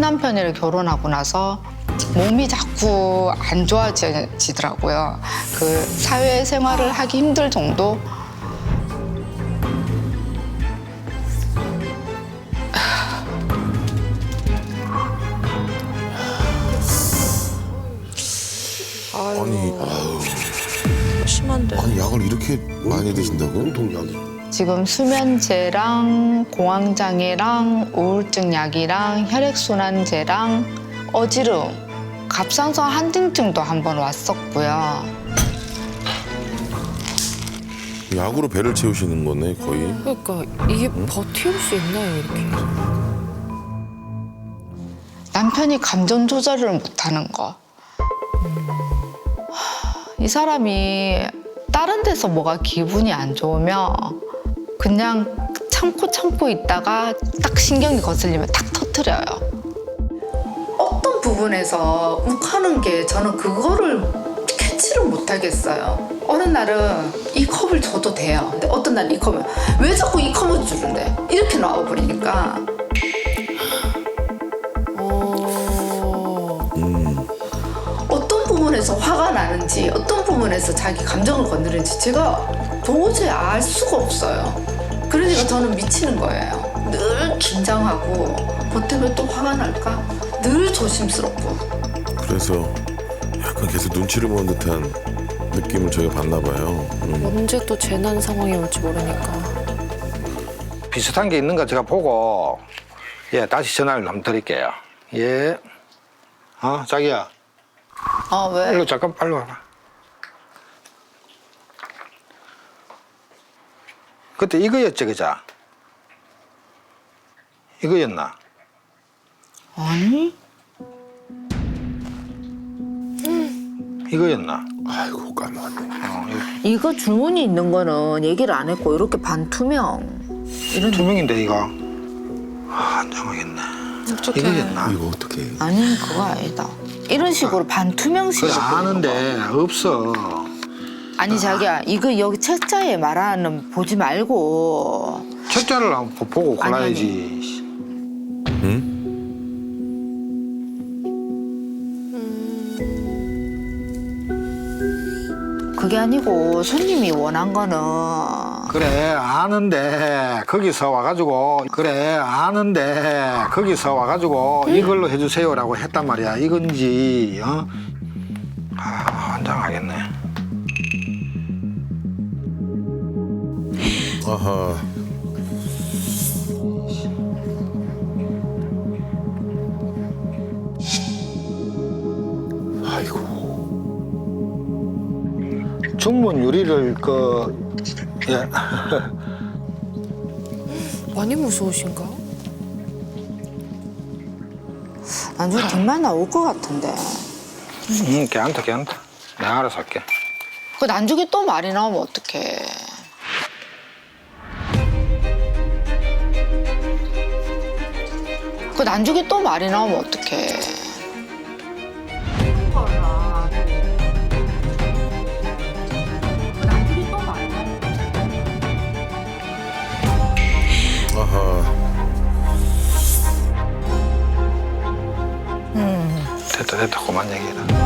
남편이랑 결혼하고 나서 몸이 자꾸 안 좋아지더라고요. 그 사회생활을 하기 힘들 정도. 아니, 심한데. 아니 약을 이렇게 많이 드신다고요? 동약이? 지금 수면제랑 공황장애랑 우울증 약이랑 혈액순환제랑 어지럼, 갑상선 한증증도 한번 왔었고요. 약으로 배를 채우시는 거네 거의. 그러니까 이게 버틸 수 있나요, 이렇게? 남편이 감정 조절을 못하는 거. 이 사람이 다른 데서 뭐가 기분이 안 좋으면 그냥 참고 있다가 딱 신경이 거슬리면 탁 터트려요. 어떤 부분에서 욱하는 게 저는 그거를 캐치를 못 하겠어요. 어느 날은 이 컵을 줘도 돼요. 근데 어떤 날은 이 컵을 왜 자꾸 이 컵을 주는데 이렇게 나와버리니까 어떤 부분에서 화가 나는지 어떤 부분에서 자기 감정을 건드리는지 제가 도저히 알 수가 없어요. 그러니까 저는 미치는 거예요. 늘 긴장하고 뭐 때문에 또 화가 날까? 늘 조심스럽고. 그래서 약간 계속 눈치를 보는 듯한 느낌을 저희가 받나 봐요. 언제 또 재난 상황이 올지 모르니까. 비슷한 게 있는가 제가 보고 예 다시 전화를 한번 드릴게요. 예. 자기야. 왜? 일로 잠깐 빨리 와봐. 그때 이거였지 그자? 이거였나? 아니? 이거였나? 아이고 까먹었네. 이거 주문이 있는 거는 얘기를 안 했고 이렇게 반투명 이런 투명인데 이거. 안 정하겠네. 어떡해. 이거였나? 이거 어떻게? 아니 그거 아니다. 이런 식으로 반투명식으로 그래 아는데 없어. 아니 자기야 이거 여기 책자에 말하는 보지 말고 책자를 한번 보고 아니, 골라야지. 응? 그게 아니고 손님이 원한 거는 그래 아는데 거기서 와가지고 이걸로 해주세요라고 했단 말이야. 이건지 환장하겠네. 아하. 아이고. 중문 유리를 예. 많이 무서우신가? 나중에 뒷말 나올 것 같은데 괜찮다. 내가 알아서 할게. 그 나중에 또 말이 나오면 어떡해. 그 나중에 또 말이 나오면 어떡해. 아하. 됐다 그만 얘기해라.